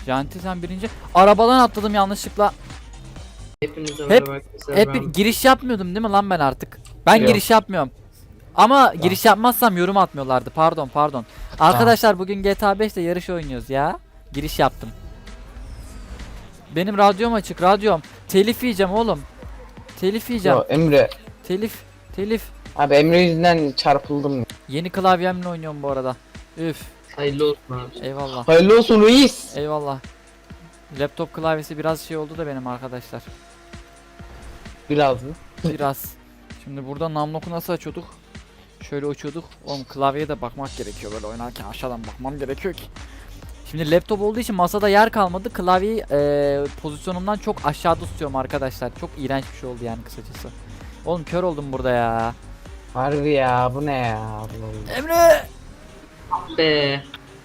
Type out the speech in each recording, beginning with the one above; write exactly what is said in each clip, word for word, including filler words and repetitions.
Janti sen birinci. Arabadan atladım yanlışlıkla. Hepinize Hep- merhaba arkadaşlar. Hep ben- bir giriş yapmıyordum değil mi lan ben artık? Ben Yok. giriş yapmıyorum. Ama giriş yapmazsam yorum atmıyorlardı. Pardon pardon. Arkadaşlar bugün G T A beşte yarış oynuyoruz ya. Giriş yaptım. Benim radyom açık, radyom. Telif yiyeceğim oğlum. Telif yiyeceğim. Yo, Emre. Telif, telif. Abi Emre yüzünden çarpıldım. Yeni klavyemle oynuyorum bu arada. Üf. Hayırlı olsun abi. Eyvallah. Hayırlı olsun reis. Eyvallah. Laptop klavyesi biraz şey oldu da benim arkadaşlar. Biraz mı? Biraz. Şimdi burada namloku nasıl açıyorduk? Şöyle uçuyorduk. Oğlum klavyeye de bakmak gerekiyor böyle oynarken aşağıdan bakmam gerekiyor ki. Şimdi laptop olduğu için masada yer kalmadı. Klavyeyi e, pozisyonumdan çok aşağıda tutuyorum arkadaşlar. Çok iğrenç bir şey oldu yani kısacası. Oğlum kör oldum burada ya. Harbi ya bu ne ya? Allah Allah. Emre! Be.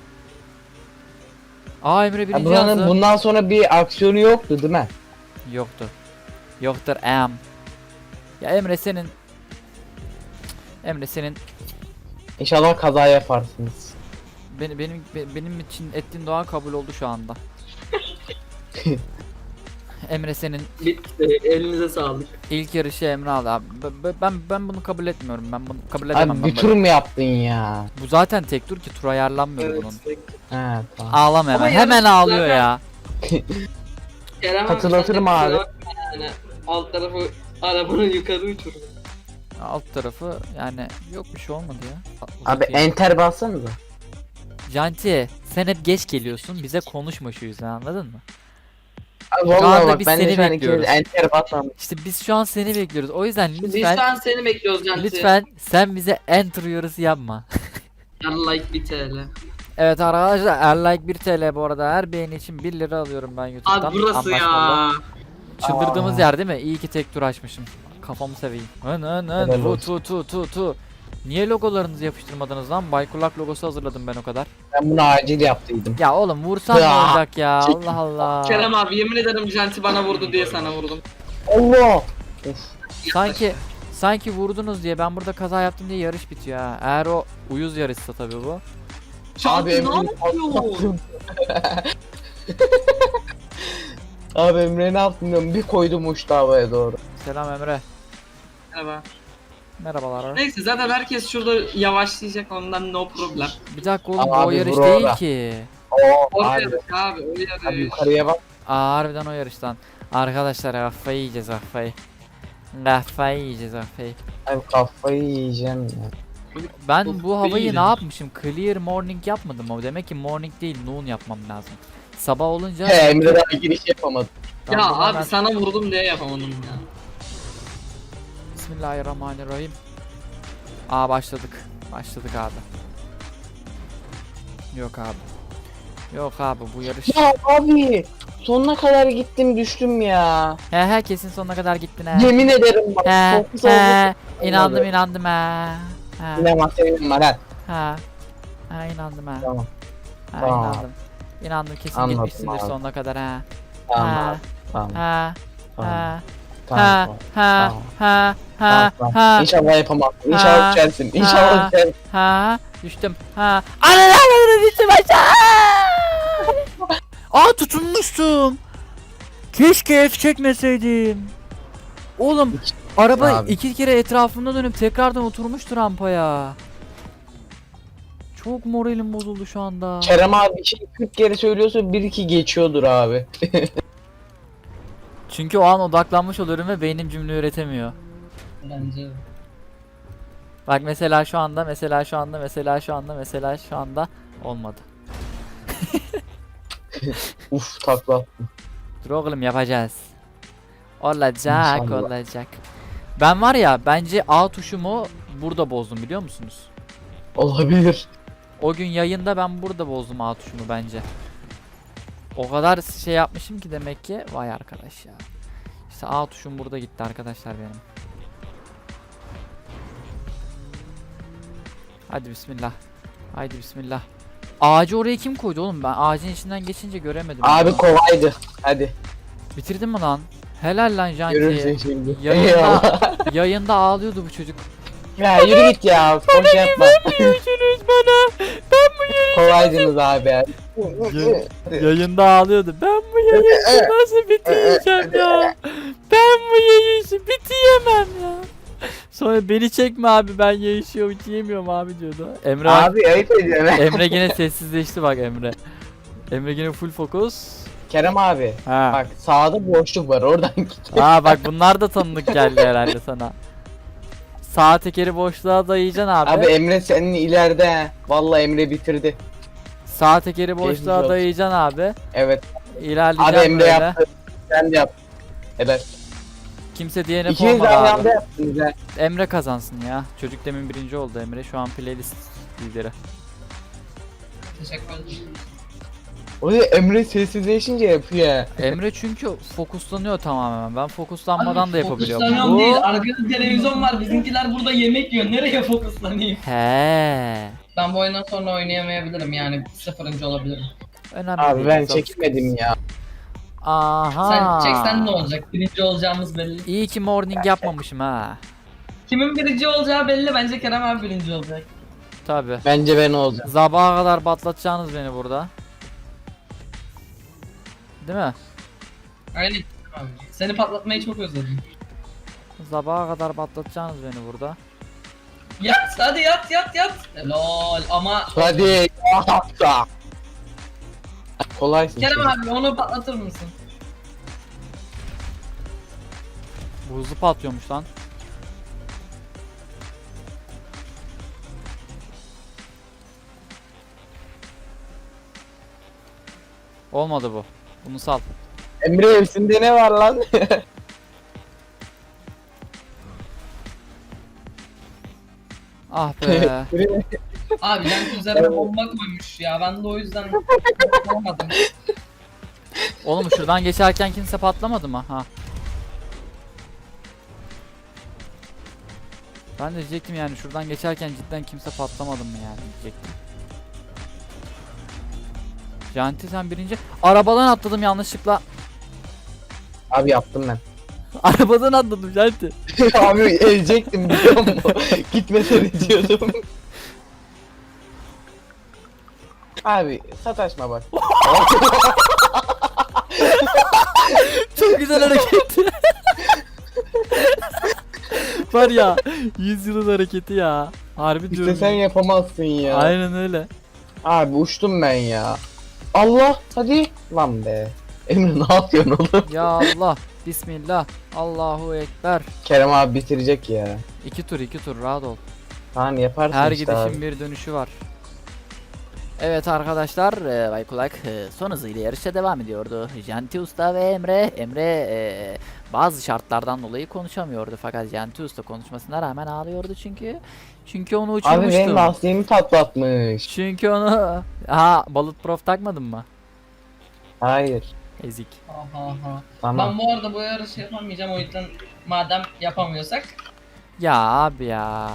Aa Emre Ya birinci bunların yazdı. bundan sonra bir aksiyonu yoktu değil mi? Yoktu. Yoktur em. Ya Emre senin Emre senin İnşallah kaza yaparsınız. benim benim be- benim için ettiğin dua kabul oldu şu anda. Emre senin Bitti. Elinize sağlık. ilk yarışı Emre aldı abi. B- b- Ben ben bunu kabul etmiyorum. Ben bunu kabul edemem Abi ben bir böyle. tur mu yaptın ya? Bu zaten tek tur ki tur ayarlanmıyor Evet. bunun. He tamam. Ağlama hemen. Ama Hemen yarış ağlıyor zaten- ya. Kerem abi, Hatırlatırım sen de abi. kusura bakma Yani alt tarafı arabanın yukarı uçurdu. Alt tarafı yani yok bir şey olmadı ya. Abi Uzatayım. enter bassanıza. Janti sen hep geç geliyorsun. Bize konuşma şu yüzden anladın mı? Abi Şu anda vallahi bak biz ben de seni şu an bekliyoruz. ikimiz enter basmam. İşte biz şu an seni bekliyoruz. O yüzden Biz lütfen şu an seni bekliyoruz Canti. lütfen sen bize enter uyarısı yapma. Yan like bir T L. Evet arkadaşlar her like bir T L bu arada. Her beğeni için bir lira alıyorum ben YouTube'dan. Abi burası Anlaşmalı. ya. Çıldırdığımız Aa. yer değil mi? İyi ki tek tur açmışım. Kafamı seveyim. Hın hın hın. Helal Tu olsun. tu tu tu tu. Niye logolarınızı yapıştırmadınız lan? Baykulak logosu hazırladım ben o kadar. Ben bunu acil yaptıydım. Ya oğlum vursan ne Ya. olacak ya? Allah Allah. Kerem abi yemin ederim Canti bana vurdu diye sana vurdum. Allah. Of. Sanki sanki vurdunuz diye ben burada kaza yaptım diye yarış bitiyor ha. Eğer o uyuz yarışsa tabii bu. Canti ne Emre'nin yapıyorsun? Abi Emre ne yaptın diyorum, bir koydum uçtu havaya doğru. Selam Emre. Merhaba. Merhabalar. Neyse zaten herkes şurada yavaşlayacak ondan no problem. Bir dakika oğlum Ama bu o abi yarış vur değil orada. ki. Oo O abi, yarış abi o abi yarış. yukarıya bak. Aa harbiden o yarıştan. Arkadaşlar kafayı yiyeceğiz kafayı. Kafayı yiyeceğiz kafayı. Abi kafayı yiyeceğim ya. Ben Of, bu havayı değil. ne yapmışım? Clear morning yapmadım ama demek ki morning değil noon yapmam lazım. Sabah olunca He Emre daha giriş yapamadı. Ben Ya buradan abi ben- sana vurdum diye yapamadım ya. Bismillahirrahmanirrahim. Aa başladık. Başladık abi. Yok abi. Yok abi bu yarış. Ya abi sonuna kadar gittim düştüm ya. He he kesin sonuna kadar gittin he. Yemin ederim bak. He fokus he. oldu. İnandım Olmadı. inandım he. He Yine masaya var ha. he. He inandım he. Tamam. He Tamam. inandım. İnandım kesin Anladım gitmişsindir abi. sonuna kadar he. Tamam He. abi. Tamam. He. Tamam. He. Tamam. Ha ha Tamam. ha Tamam, ha tamam. ha İnşallah yapamazsın. Ha. İnşallah düşersin. Ha. İnşallah düşersin. ha düştüm ha ananı düştüm aşağı. Aa tutunmuştum. Keşke F çekmeseydim. Oğlum araba Abi. iki kere etrafında dönüp tekrardan oturmuştu rampaya. Çok moralim bozuldu şu anda. Kerem abi bir şey kırk kere söylüyorsa bir iki geçiyordur abi. Çünkü o an odaklanmış oluyorum ve beynim cümle üretemiyor. Bence. Bak mesela şu anda, mesela şu anda, mesela şu anda, mesela şu anda olmadı. Uf takla. Dur oğlum yapacağız. Olacak, İnşallah. olacak. Ben var ya bence A tuşumu burada bozdum biliyor musunuz? Olabilir. O gün yayında ben burada bozdum A tuşumu bence. O kadar şey yapmışım ki demek ki vay arkadaş ya. İşte A tuşum burada gitti arkadaşlar benim. Hadi bismillah. Haydi bismillah. Ağacı oraya kim koydu oğlum? Ben ağacın içinden geçince göremedim. Abi kolaydı. Hadi. Bitirdin mi lan? Helal lan Görürsün Janti. şimdi. Yayında, Eyvallah. yayında ağlıyordu bu çocuk. Ya yürü git ya. Boş yapma. Vermiyorsunuz bana. Ben Kolaydınız abi ya. Yayında ağlıyordu. Ben bu yayışı nasıl bitireceğim ya? Ben bu yayışı bitiremem ya. Sonra beni çekme abi, ben yayışı bitiremiyorum abi diyordu. Emre Abi ayıp ediyorsun. Emre gene sessizleşti bak Emre. Emre gene full fokus. Kerem abi. Ha. Bak sağda boşluk var oradan git. Aa bak bunlar da tanıdık geldi herhalde sana. Sağ tekeri boşluğa dayayacaksın abi. Abi Emre senin ileride he. Vallahi Emre bitirdi. Sağ tekeri Geçmiş boşluğa olsun. dayayacaksın abi. Evet. İlerleyeceksin Abi Emre böyle. yaptı. Sen de yap. Evet. Kimse D N F İkiniz de olmadı aynı abi. anda yaptınız he. Emre kazansın ya. Çocuk demin birinci oldu Emre. Şu an playlist lideri. Teşekkür ederim. O da Emre sessizleşince yapıyor he. Emre çünkü fokuslanıyor tamamen. Ben fokuslanmadan Abi, da yapabiliyorum. Fokuslanıyorum Bu... değil. Arkada televizyon var. Bizimkiler burada yemek yiyor. Nereye fokuslanayım? He. Ben bu oyundan sonra oynayamayabilirim yani. Sıfırıncı olabilirim. Önemli Abi değil. ben Çok çekemedim ya. Aha. Sen çeksen ne olacak? Birinci olacağımız belli. İyi ki morning yapmamışım ha. Kimin birinci olacağı belli. Bence Kerem abi birinci olacak. Tabi. Bence ben olacağım. Sabaha kadar batlatacaksınız beni burada. Değil mi? Aynen. Abi. Seni patlatmayı çok özledim. Sabaha kadar batlatacaksınız beni burada. Yat hadi yat yat yat. Lol ama Hadi. Hatta. Kolaysın. Kerem sen. abi onu patlatır mısın? Bu hızlı patlıyormuş lan. Olmadı bu. Bunu sal. Emre hepsinde ne var lan? Ah be. Abi ben üzerine bomba koymuş ya. Ben de o yüzden yapamadım. Oğlum şuradan geçerken kimse patlamadı mı? Ha. Ben de diyecektim yani şuradan geçerken cidden kimse patlamadı mı yani diyecektim. Janti sen birinci. Arabadan atladım yanlışlıkla. Abi yaptım ben. Arabadan atladım Janti. Abi ezecektim biliyor musun? Gitmesene diyordum. Abi sataşma bak. Çok güzel hareket. Var ya yüz yılın hareketi ya. Harbi İşte diyorum. sen yapamazsın ya. Aynen öyle. Abi uçtum ben ya. Allah hadi. Lan be. Emre ne yapıyorsun oğlum? Ya Allah. Bismillah. Allahu Ekber. Kerem abi bitirecek ya. İki tur iki tur rahat ol. Tamam yaparsın Her işte gidişin abi. bir dönüşü var. Evet arkadaşlar, e, Bay Kulak e, son hızıyla yarışa devam ediyordu. Janti Usta ve Emre. Emre e, bazı şartlardan dolayı konuşamıyordu fakat Janti Usta konuşmasına rağmen ağlıyordu çünkü. Çünkü onu Abi benim uçurmuştum. lastiğimi patlatmış. Çünkü onu... Ha Bulletproof takmadın mı? Hayır. Ezik. Aha aha. Tamam. Ben bu arada bu yarışı yapamayacağım o yüzden madem yapamıyorsak Ya abi ya.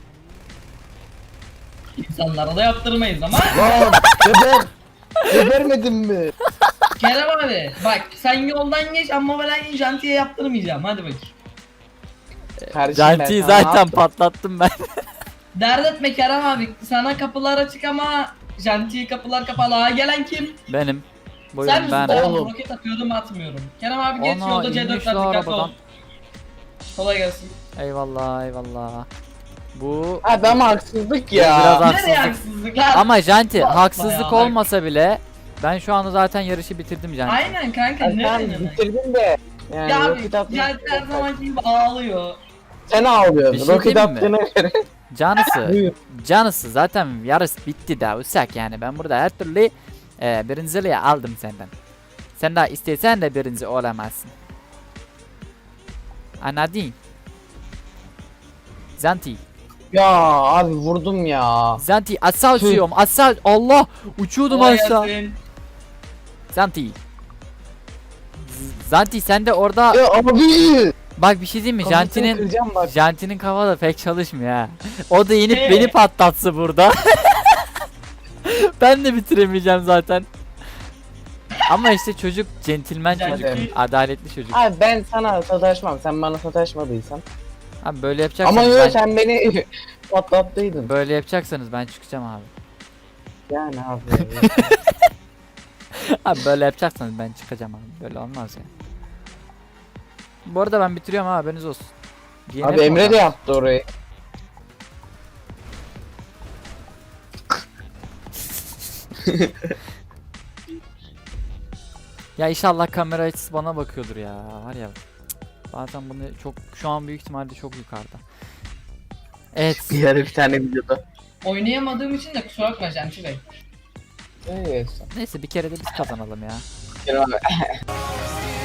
insanlara da yaptırmayız ama. Lan geber. Gebermedin mi? Kerem abi bak sen yoldan geç ama ben jantiye yaptırmayacağım hadi bakayım. Kardeşim ben Janti'yi sana ne zaten yaptım? patlattım ben. Dert etme Kerem abi sana kapılar açık ama jantiye kapılar kapalı. Ha gelen kim? Benim. Sen Buyurun misin? ben. Tamam, Oğlum. roket atıyordum atmıyorum. Kerem abi geç Ana, yolda C inmiş dörtler la dikkatli ol. arabadan. Kolay gelsin. Eyvallah eyvallah. Bu Abi ama haksızlık Biraz ya. ha- Nereye Haksızlık. haksızlık lan? ama Janti Yapma haksızlık ya, bak. olmasa bile ben şu anda zaten yarışı bitirdim Janti. Aynen kanka Ay, ne Sen demek? bitirdin de. Yani Ya abi roket attın. janti her zamanki gibi ağlıyor. Sen Bir ağlıyorsun. şey Roket diyeyim mi? attığına göre. Canısı. Buyur. Canısı zaten yarış bitti daha usak yani ben burada her türlü e, birinciliği aldım senden. Sen daha istesen de birinci olamazsın. Anladın? Zanti. Ya abi vurdum ya. Zanti aşağı uçuyorum aşağı Allah uçuyordum Kolay aşağı. gelsin. Zanti. Z- Zanti sen de orada Ya abi. bak bir şey diyeyim mi? Kafasını Janti'nin kıracağım bak. Janti'nin kafa da pek çalışmıyor ha. O da inip Ee? beni patlatsa burada. Ben de bitiremeyeceğim zaten. Ama işte çocuk centilmen çocuk, Janti- adaletli çocuk. Abi ben sana sataşmam. Sen bana sataşmadıysan. Abi böyle yapacaksanız Ama ben, yok sen beni patlattıydın. böyle yapacaksanız ben çıkacağım abi. Yani abi. Abi böyle yapacaksanız ben çıkacağım abi. Böyle olmaz ya. Bu arada ben bitiriyorum ha, haberiniz olsun. D N F Abi Emre de oradan. yaptı orayı. Ya inşallah kamera açısı bana bakıyordur ya. Var ya. Cık, bazen bunu çok şu an büyük ihtimalle çok yukarıda. Evet. Bir ara bir tane videoda. Oynayamadığım için de kusura bakma Janti Bey. Evet. Neyse bir kere de biz kazanalım ya. Abi.